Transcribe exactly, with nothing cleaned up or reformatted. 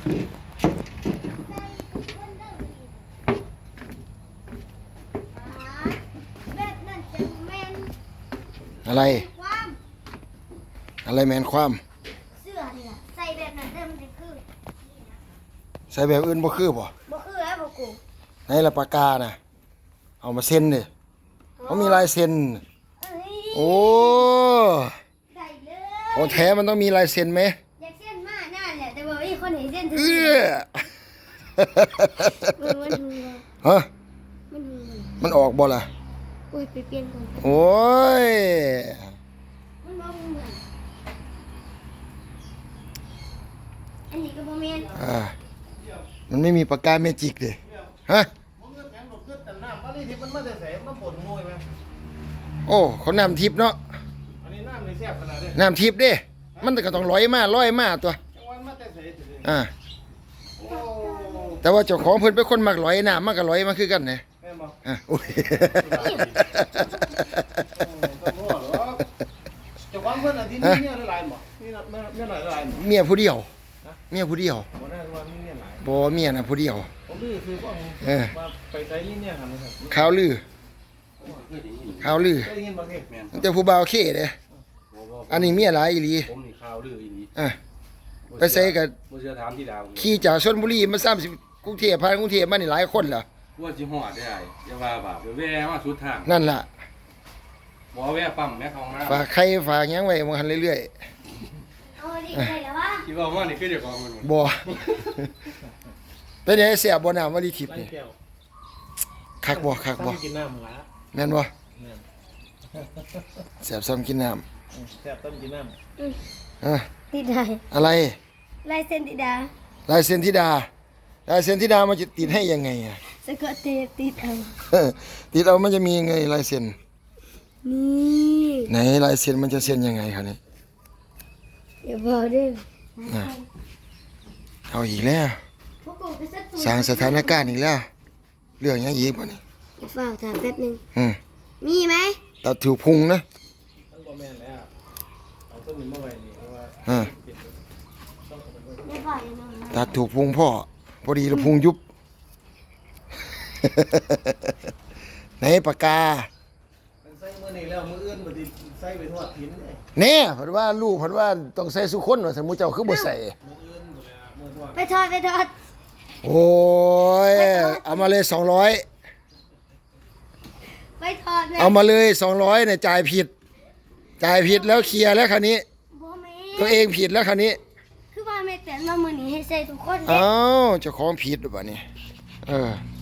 แบบนั้นจะแมนอะไรความอะไรแมนความเสื้อนี่ล่ะใส่แบบนั้นเดิมจะคือใส่แบบอื่นบ่คือบ่บ่คือแล้วบ่กูในละปากกาน่ะเอามาเซ็นดิเขามีลายเซ็นเอ้ยโอ้ได้เลขอย งแท้มันต้องมีลายเซ็นไหมอยากเส้นมาหน้าแหละแต่บ่มีคนเห็นเส้นถึงเอื้อมันมันหูฮะมันหูมันออกบ่ล่ะโอ้ยไปเปลี่ยนก่อนโอ้ยมันบ่เหมือนอันนี้ก็บ่แม่นอ่ามันไม่มีปากกาเมจิกเลยฮะผมก็แข็งหลบขึ้นแต่น้ำอะไรที่มันมาแต่ใส่มันปวดงวยไหมโอ้เขาน้ำทิพย์เนาะอันนี้น้ำในแซ่บขนาดนี้น้ำทิพย์เด้มันก็ต้องลอยมาลอยมาตัวจังหวะมาแต่ใส่ถึงอ่าโอ้แต่ว่าเจ้าของเพิ่นเป็นคนมักลอยน้ำมันก็ลอยมาคือกันนะแม่บอกอ่ะโอ้ยต้องรู้หรอจะความเพื่อนอันที่นี่เนี่ยหลายหมอนี่ไม่ไม่หลายหลายหมอเมียผู้เดียวเมียผู้เดียวผมได้ว่านี่เนี่ยหลายบ่เมียน่ะผู้เดียวผมดื้อคือว่าเออมาไปใส่นี่เนี่ยครับนะครับข่าวลือข่าวลือได้ยินบ้างไหมแม่แต่ผู้บ่าวเข้เด้อันนี้เมียหลายอีหลีผมนี่ข่าวลืออีนี้อ่ะไปใส่กับบ่เชื่อถามที่ดาวขี่จากชลบุรีมาสามสิบกรุงเทพผ่านกรุงเทพมานี่หลายคนล่ะว่าสิฮอดได้อย่าว่าบาปแว่มาสุดทางนั่นล่ะบ่แว่ปั๊มแม่ของน้ำฝากใครฝากหยังไว้บ่หันเรื่อยเอาดิได้แล้ววะคิดว่าว่านี่คือเจ้าของมันๆบ่ เป็นไงเสียบ่น้ำวลีทิพย์ไล่นี่แก้วคักบ่คักบ่กินน้ำละแม่นบ่เนี่ยเสียบซ้ำกินน้แซ่บต้มกินน้ำอ่ะติดได้อะไรลายเส้นติดดาลายเซ็นธิดาลายเซ็นธิดามันจะติดให้ยังไงอ่ะสะกดเตะติดเอาติดเอามันจะมียังไงลายเซ็นนี่ไหนลายเซ็นมันจะเซ็นยังไงครับนี่เดี๋ยวบอกเด้ออ่ะเอาอีกแล้วพวกกูไปสักตัวสร้างสถานการณ์อีกแล้ว เรื่องหยังอีกบ่นี่ฝากถามแป๊บนึงอืมมีไหมตัดถูกพุงนะำทั้งบ่แม่นแล้วเอาต้นนี้มาไว้นี่เพราะว่าอ่าได้บอกยังไงตัดถูกพุงพ่อพอดีแล้วพุงยุบ ไหนปากกามันใส่มือนี่แล้วมืออื่นบ่ได้ใส่ไปทอดทิ้นเลยแน่เพิ่นว่าลูกเพิ่นว่าต้องใส่สุคนว่าสมมุติเจ้าคือบ่ใส่มืออื่นบ่ได้มือทอดไปทอดไปทอดโอ้ยเอามาเลยสองร้อยไปทอดนะเอามาเลยสองร้อยเนี่ยจ่ายผิด จ่ายผิดแล้วเคลียร์แล้วคราวนี้บ่แม่ตัวเองผิดแล้วคราวนี้คือว่าแม่แต่เรามือนี้ให้ใส่ทุกคนเด้อ้าวเจ้าของผิดหรือเปล่านี่เออ